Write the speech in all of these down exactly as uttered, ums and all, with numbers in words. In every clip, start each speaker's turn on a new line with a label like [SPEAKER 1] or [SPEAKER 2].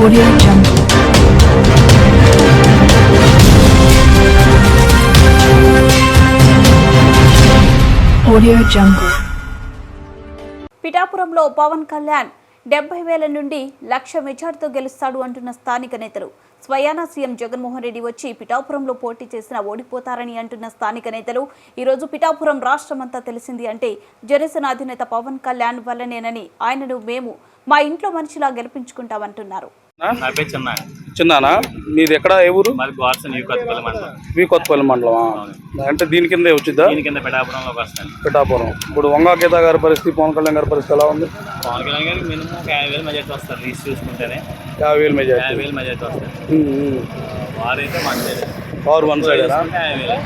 [SPEAKER 1] Audio Jungle. Audio Jungle.
[SPEAKER 2] పిఠాపురంలో పవన్ కళ్యాణ్ డెబ్బై వేల నుండి లక్ష మెజార్టీతో గెలుస్తాడు అంటున్న స్థానిక నేతలు. స్వయానా సీఎం జగన్మోహన్ రెడ్డి వచ్చి పిఠాపురంలో పోటీ చేసినా ఓడిపోతారని అంటున్న స్థానిక నేతలు. ఈరోజు పిఠాపురం రాష్ట్రమంతా తెలిసింది అంటే జనసేన అధినేత పవన్ కళ్యాణ్ వల్లనేనని, ఆయనను మేము మా ఇంట్లో మనిషిలా గెలిపించుకుంటామంటున్నారు.
[SPEAKER 3] చిన్నానా మీది ఎక్కడ ఏ ఊరు?
[SPEAKER 4] మండలం
[SPEAKER 3] కొత్తపల్లి మండలం అంటే దీని కింద వచ్చిద్దా?
[SPEAKER 4] దీని కింద పిఠాపురంలోకి వస్తాను.
[SPEAKER 3] పిఠాపురం ఇప్పుడు వంగా గీత గారి పరిస్థితి, పవన్ కళ్యాణ్ గారి పరిస్థితి ఎలా ఉంది?
[SPEAKER 4] పవన్ కళ్యాణ్ గారికి మినిమం ఒక యాభై వేలు మెజార్టీ వస్తారు. రీచ్ చూసుకుంటేనే
[SPEAKER 3] యాభై వేలు మెజార్టీ
[SPEAKER 4] యాభై వేలు మెజార్టీ వస్తారు. వారైతే one side
[SPEAKER 3] power one side
[SPEAKER 4] యాభై వేలు.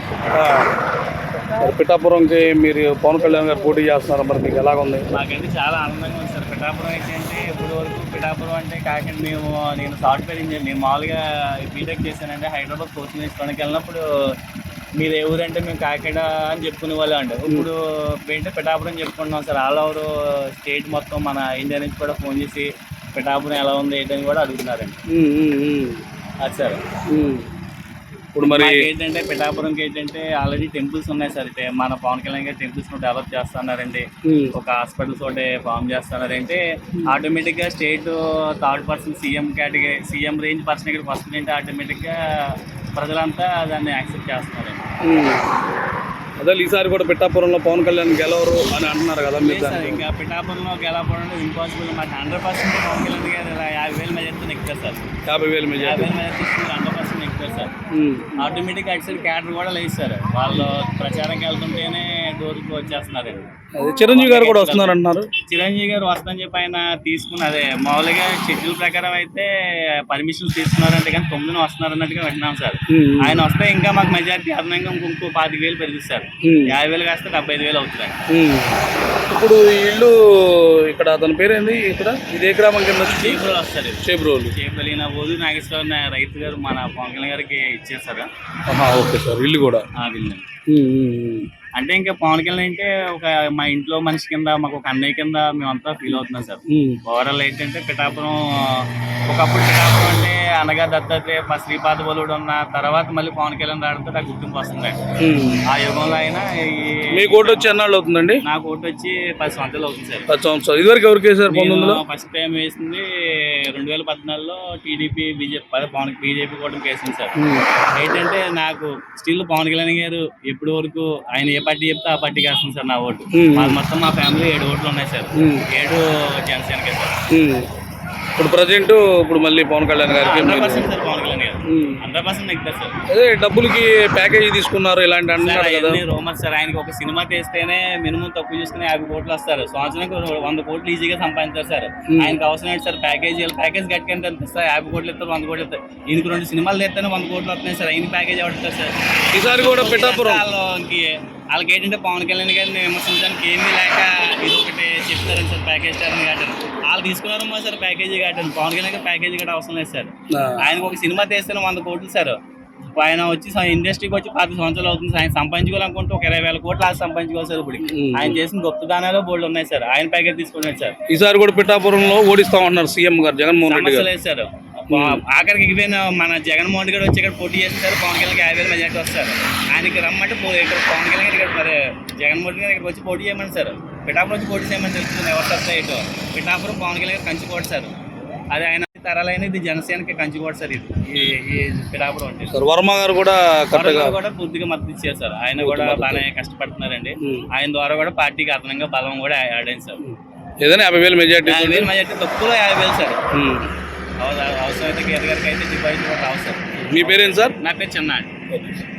[SPEAKER 3] పిఠాపురంకి మీరు పవన్ కళ్యాణ్ గారు పోటీ చేస్తున్నారు, మరి మీకు ఎలాగ ఉంది?
[SPEAKER 4] మాకైతే చాలా ఆనందంగా ఉంది సార్. పిఠాపురం అయితే అంటే ఇప్పుడు వరకు పిఠాపురం అంటే కాకుండా మేము నేను సాఫ్ట్వేర్ ఇంజనీర్, నేను మామూలుగా బీటెక్ చేశానంటే హైదరాబాద్ కోచింగ్ తీసుకోవడానికి వెళ్ళినప్పుడు మీరు ఏ ఊరంటే మేము కాకినాడ అని చెప్పుకునే వాళ్ళు అండి. ఇప్పుడు ఏంటంటే పిఠాపురం చెప్పుకుంటున్నాం సార్. ఆల్ ఓవర్ స్టేట్ మొత్తం మన ఇండియా నుంచి కూడా ఫోన్ చేసి పిఠాపురం ఎలా ఉంది ఏంటని కూడా అడుగుతున్నారండి. అది సార్
[SPEAKER 3] ఇప్పుడు మరి
[SPEAKER 4] ఏంటంటే పిఠాపురంకి ఏంటంటే ఆల్రెడీ టెంపుల్స్ ఉన్నాయి సార్. అయితే మన పవన్ కళ్యాణ్ గారు టెంపుల్స్ ను డెవలప్ చేస్తున్నారండి. ఒక హాస్పిటల్స్ ఒకటి ఫామ్ చేస్తున్నారంటే ఆటోమేటిక్ గా state third person CM category CM range person ఇక్కడ ఫస్ట్ అంటే ఆటోమేటిక్ గా ప్రజలంతా దాన్ని యాక్సెప్ట్ చేస్తున్నారండి.
[SPEAKER 3] అదే ఈసారి కూడా పిఠాపురంలో పవన్ కళ్యాణ్ గెలవరు అని అంటున్నారు కదా మీరు?
[SPEAKER 4] ఇంకా పిఠాపురంలో గెలవడం ఇంపాసిబుల్. మాకు హండ్రెడ్ పర్సెంట్ పవన్ కళ్యాణ్ గారు యాభై వేల మెజార్టీ ఎక్కుతారు సార్.
[SPEAKER 3] యాభై వేల మెజార్టీ
[SPEAKER 4] యాభై వేల మెజార్టీ హండ్రెడ్ పర్సెంట్ ఎక్కుతారు సార్. ఆటోమేటిక్ అటు సైడ్ క్యాడర్ కూడా లేదు సార్. వాళ్ళు ప్రచారంకి వెళ్తుంటేనే డోర్కి వచ్చేస్తున్నారండి.
[SPEAKER 3] చిరంజీవి గారు కూడా వస్తున్నారు అంటున్నారు.
[SPEAKER 4] చిరంజీవి గారు వస్తుందని చెప్పి ఆయన తీసుకుని అదే మామూలుగా షెడ్యూల్ ప్రకారం అయితే పర్మిషన్స్ తీసుకున్నారంటే కానీ తొమ్మిదిన వస్తున్నారు అన్నట్టుగా వింటున్నాం సార్. ఆయన వస్తే ఇంకా మాకు మెజార్టీ అదనంగా ఇంకో పాతిక వేలు పెరుగుతారు. యాభై వేలు కాస్తే డెబ్బై ఐదు వేలు అవుతుంది.
[SPEAKER 3] ఇప్పుడు ఇల్లు ఇక్కడ అతని పేరేంది? ఇక్కడ ఇదే గ్రామం కింద
[SPEAKER 4] చేబ్రోలు వస్తారు.
[SPEAKER 3] చేబ్రోలు
[SPEAKER 4] చేబ్రోలు ఈయన ఓదు నాగేశ్వర రైతు గారు మన పవన్ కళ్యాణ్ గారికి ఇచ్చేసారు.
[SPEAKER 3] Okay sir. ఇల్లు కూడా
[SPEAKER 4] ఇల్లు అంటే ఇంకా పవన్ కళ్యాణ్ అంటే ఒక మా ఇంట్లో మనిషి కింద, మాకు ఒక అన్నయ్య కింద మేమంతా ఫీల్ అవుతున్నాం సార్. ఓవరాల్ ఏంటంటే పిఠాపురం ఒకప్పుడు పిఠాపురం అంటే అనగా దత్తాత్రేయ శ్రీపాద బలుడు ఉన్న తర్వాత మళ్ళీ పవన్ కళ్యాణ్ రావడంతో నాకు గుర్తింపు వస్తుంది. ఆ యుగంలో అయినా
[SPEAKER 3] మీ ఓటు వచ్చి ఎన్నాళ్ళు అవుతుందండి?
[SPEAKER 4] నాకు ఓటు వచ్చి పది సంవత్సరాలు అవుతుంది సార్.
[SPEAKER 3] పది సంవత్సరాలు. ఇదివరకు ఎవరికి వేసారు?
[SPEAKER 4] ఫస్ట్ టైం వేసింది రెండు వేల పద్నాలుగులో టీడీపీ బీజేపీ పవన్ బీజేపీ కూడా వేసింది సార్. ఏంటంటే నాకు స్టిల్ పవన్ కళ్యాణ్ గారు ఎప్పటి వరకు ఆయన ఏ పార్టీ చెప్తే ఆ పార్టీకి వేస్తుంది సార్ నా ఓటు. మాది మొత్తం మా ఫ్యామిలీ ఏడు ఓట్లు ఉన్నాయి సార్. ఏడు జనసేనకే సార్.
[SPEAKER 3] ఇప్పుడు ప్రజెంట్ ఇప్పుడు మళ్ళీ పవన్ కళ్యాణ్ గారికి
[SPEAKER 4] hundred percent sir. Pawan Kalyan garu hundred percent ఎక్కుతారు సార్.
[SPEAKER 3] అదే డబ్బులకి ప్యాకేజీ తీసుకున్నారు ఇలాంటి అన్ని
[SPEAKER 4] రోమర్స్ సార్. ఆయనకి ఒక సినిమా తీస్తేనే మినిమం తక్కువ చూసుకుని యాభై కోట్లు వస్తారు. సంవత్సరానికి వంద కోట్లు ఈజీగా సంపాదించారు సార్. ఆయనకి అవసరం ఏంటి సార్? ప్యాకేజీ ప్యాకేజ్ కట్టుకుంటే ఎంత సార్? యాభై కోట్లు ఇస్తారు, వంద కోట్లు ఇస్తారు. ఈయనకి రెండు సినిమాలు తీస్తేనే వంద కోట్లు వస్తున్నాయి సార్. ఆయన ప్యాకేజ్ ఎవరు సార్?
[SPEAKER 3] ఈసారి కూడా పిఠాపురం
[SPEAKER 4] వాళ్ళకి వాళ్ళకి ఏంటంటే పవన్ కళ్యాణ్ గారిని విమర్శించడానికి ఏమీ లేక ఇది ఒకటి చెప్తారని సార్. ప్యాకేజ్ స్టార్ని కాటన్ వాళ్ళు తీసుకున్నారమ్మా sir. Package cotton Pawan Kalyan garu package కూడా అవసరం లేదు సార్. ఆయనకు ఒక సినిమా తీస్తేనే వంద కోట్లు సార్. ఆయన వచ్చి ఇండస్ట్రీకి వచ్చి పది సంవత్సరాలు అవుతుంది. ఆయన సంపాదించుకోవాలనుకుంటే ఒక ఇరవై వేల కోట్లు అది సంపాదించుకోవాలి సార్. ఇప్పుడు ఆయన చేసిన గొప్ప దానాలు బోల్డ్ ఉన్నాయి సార్. ఆయన ప్యాకేజ్ తీసుకున్నాడు సార్.
[SPEAKER 3] ఈసారి కూడా పిఠాపురంలో ఓడిస్తామన్నారు సీఎం గారు జగన్మోహన్ రెడ్డి గారు.
[SPEAKER 4] లేదు సార్. ఆఖరికి ఎగిపోయిన మన జగన్మోహన్ రెడ్డి గారు వచ్చి ఇక్కడ పోటీ చేస్తారు. పవన్ కళ్యాణ్ యాభై వేల మెజార్టీ వస్తారు. ఆయనకి రమ్మంటే ఇక్కడ పవన్ కళ్యాణ్ గారు ఇక్కడ మరి జగన్మోహన్ రెడ్డి గారు ఇక్కడ వచ్చి పోటీ చేయమని సార్. పిఠాపురం వచ్చి పోటీ చేయమని తెలుస్తుంది ఎవరు వస్తాయి ఇటు. పిఠాపురం పవన్ కళ్యాణ్ గారు కంచుకోట సార్. అది ఆయన తరాలైన ఇది జనసేనకి కంచుకోట సార్. ఇది ఈ పిఠాపురం అంటే
[SPEAKER 3] సార్. వర్మ గారు కూడా
[SPEAKER 4] కూడా పూర్తిగా మద్దతు ఇచ్చారు సార్. ఆయన కూడా బాగానే కష్టపడుతున్నారండి. ఆయన ద్వారా కూడా పార్టీకి అదనంగా బలం కూడా యాడ్ అయింది సార్.
[SPEAKER 3] ఏదైనా యాభై వేల మెజార్టీ
[SPEAKER 4] యాభై వేల మెజార్టీ తక్కువలో యాభై వేలు సార్. అవసరం అయితే గీత గారికి అయితే డిపాజిట్ కూడా రావు సార్.
[SPEAKER 3] మీ పేరేంటి సార్?
[SPEAKER 4] నా పేరు చిన్న.